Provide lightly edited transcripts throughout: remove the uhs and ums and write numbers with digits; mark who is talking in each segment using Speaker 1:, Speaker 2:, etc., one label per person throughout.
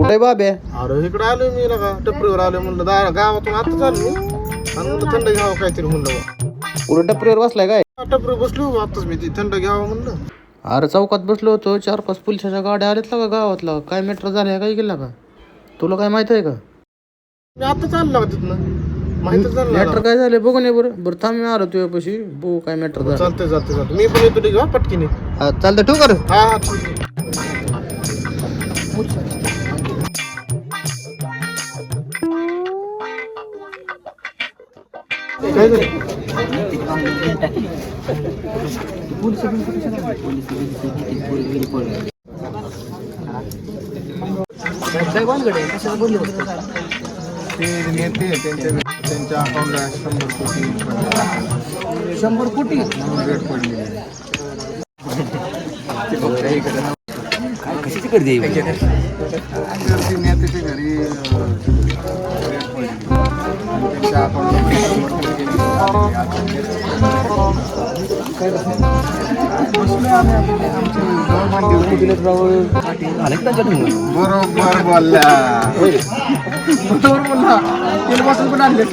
Speaker 1: अरे बाबे
Speaker 2: अरे इकडे आलोय मी लगा टपरीवर आलोय म्हणलं गावातून आता चालू आणि म्हणलं थंड घ्यावं काहीतरी म्हणलं
Speaker 1: पुढे टपरीवर बसलाय काय?
Speaker 2: टपरीवर बसलो आताच मी ती थंड घ्यावं म्हणलं.
Speaker 1: अरे चौकात बसलो होतो 4-5 पोलिसाच्या गाड्या आल्यात का गावातला काय मॅटर झालं काय गेला का तुला काय माहित आहे का?
Speaker 2: मी आता चाललो तिथनं माहितच झालं
Speaker 1: मॅटर काय झालं बघून ये बरं. बरं थांब मी आलो तुझ्यापाशी बघू काय मॅटर झालं.
Speaker 2: चालतंय मी पण येतो ठीक आहे पटकीने.
Speaker 1: चालतं ठेवू कर.
Speaker 2: हा काय झालं? ते नेते त्यांच्या अकाउंटला 100 कोटी रेट पडलेले.
Speaker 1: कशाची गर्दी आहे
Speaker 2: नेत्याच्या घरी रेट पडले त्यांच्या बरोबर बोलला तेलपासून पण आणले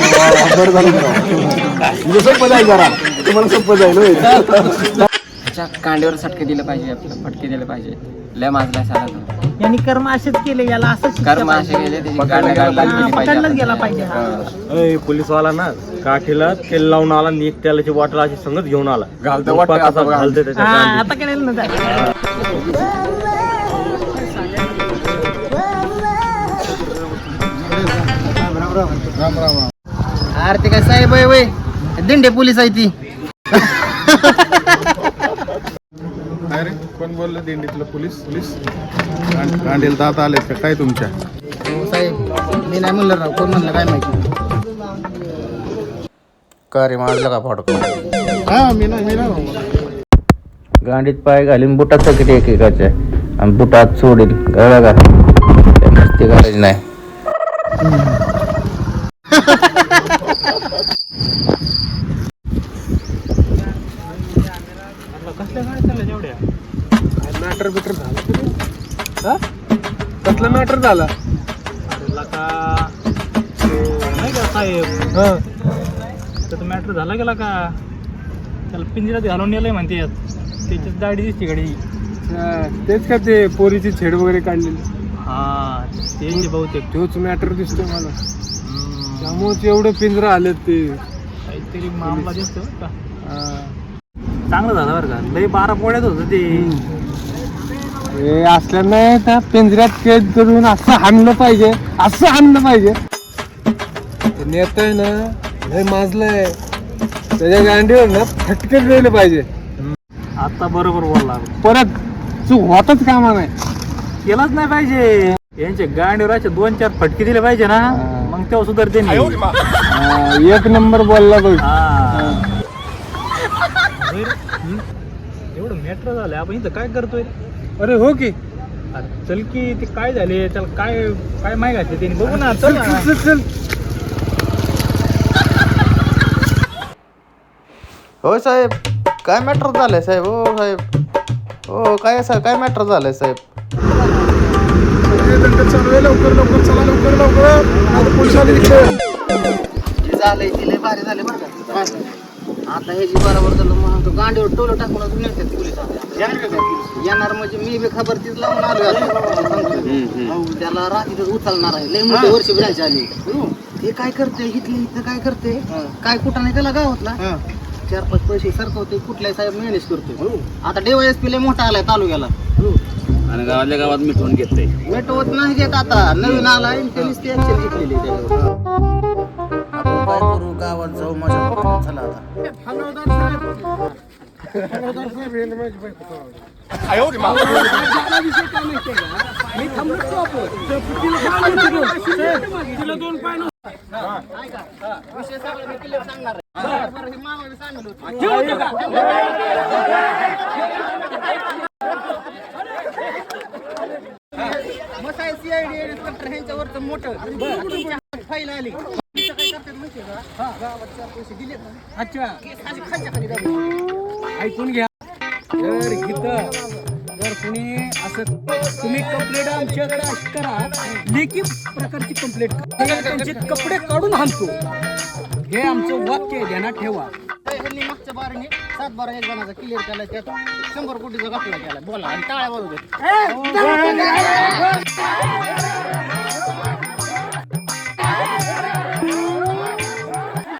Speaker 2: सोपं जाईल जरा तुम्हाला सोपं जाईल.
Speaker 3: त्याच्या कांड्यावर सटके दिले पाहिजे आपल्याला फटके दिले पाहिजे. लय माजलाय सारा
Speaker 4: यांनी कर्म असेच केले याला असंच
Speaker 3: कर्म असे गेले त्याची
Speaker 4: पकडलाच गेला पाहिजे.
Speaker 5: पोलीसवाला ना काठीला तेल लावून आला नीट तेलाची बॉटल अशी संगत घेऊन आला घालते त्याच्या
Speaker 4: आता केलेलं ना
Speaker 2: राम राम.
Speaker 1: अरे ते काय साहेब आहे वय दिंडे पोलीस आहे ती.
Speaker 2: अरे कोण बोललं दिंडीतलं पोलीस गांडीला दात आलेत का काय तुमच्या?
Speaker 1: साहेब मी नाही म्हणलं राव कोण म्हणलं काय माहिती. का रे मारलं का फाटक?
Speaker 2: हा मी नाही
Speaker 1: गांडीत पाय घालीन बुटात सकट एकेकाच्या आणि बुटात सोडील कळलं का? मस्ती करायची नाही.
Speaker 5: मॅटर बिटर झाला कसला मॅटर झाला
Speaker 4: नाही का साहेब त्याचा मॅटर झाला गेला का त्याला पिंजऱ्यात घालून नेलंय म्हणते त्याच्यात दाढी दिसते गाडी.
Speaker 5: तेच का ते पोरीची छेड वगैरे काढलेली
Speaker 4: हा ते बहुतेक
Speaker 5: तोच मॅटर दिसतोय मला त्यामुळे एवढे पिंजरा आलेत ते
Speaker 4: काहीतरी मामला दिसतो का. चांगलं झालं बरं का लई 12 पोळ्यात होतं ते.
Speaker 5: हे असल्यानं त्या पिंजऱ्यात कैद करून असं हाणलं पाहिजे ते नेता आहे ना लय माजलंय त्याच्या गांडीवर ना फटके दिले पाहिजे.
Speaker 4: आता बरोबर बोलला
Speaker 5: परत चूक होतच कामा नाही
Speaker 4: केलाच नाही पाहिजे. यांच्या गांडीवर असे 2-4 फटके दिले पाहिजे ना मग तेव्हा सुधारते नाही.
Speaker 5: एक नंबर बोलला बघ.
Speaker 4: एवढं मॅटर झालं आपण इथं काय करतोय.
Speaker 5: अरे हो की
Speaker 4: अरे चल की ते काय झाले त्याला काय काय माहिती घातली त्यांनी बघू ना. चल
Speaker 5: चल
Speaker 1: हो साहेब काय मॅटर झालंय साहेब? हो साहेब हो काय काय मॅटर झालंय साहेब?
Speaker 2: लवकर चला लवकर पोलीस आले
Speaker 1: झालंय ती लय भारी झाले बरं का. आता हे जी बरोबर झालं मग तो गांडीवर टोलं टाकून नेतात पोलीस. येणार म्हणजे मी बी खबर तीच लावून आलो त्याला रात्रीतच उचलणार आहे. लय मोठे वर्ष ब्रांच आली हे काय करते इथं काय करते काय कुठं नाही त्याला गावातला 4-5 पैसे सरकवते कुठल्याही साहेब मॅनेज करतोय. आता DYSP लय मोठा आलाय तालुक्याला
Speaker 3: आणि गावातल्या गावात मिटवून घेतलंय.
Speaker 1: मिटवत नाही घेत आता नवीन आलाय त्यांनीच ते ऍक्शन घेतलेली त्याच्यावर. आपण काय करू गावात जाऊ माझ्या पप्पाला चला आता. विषय सगळं मी क्लिअर सांगणार आहे. बरं हे मामाने सांगितलं होतं. मसाई CID इन्स्पेक्टर ह्यांच्यावरचं मोठं फाईल आली. काय करतात माहिती आहे का गावात 4 पैसे दिलेत ना अच्छा खालच्या खाली दाबून
Speaker 5: ऐकून घ्या तर इथं
Speaker 6: जर कोणी असं तुम्ही कंप्लेंट आमच्याकडे अशी करा, लेखी प्रकारची कंप्लेंट त्यांचे कपडे काढून हाणतो, हे आमचं वाक्य आहे, ध्यानात ठेवा.
Speaker 1: ह्यांनी मागच्या बारीने 7-12 एक जणांचा क्लिअर केला, त्यात 100 कोटीचा घपला केला. बोला आणि टाळ्या वाजवत.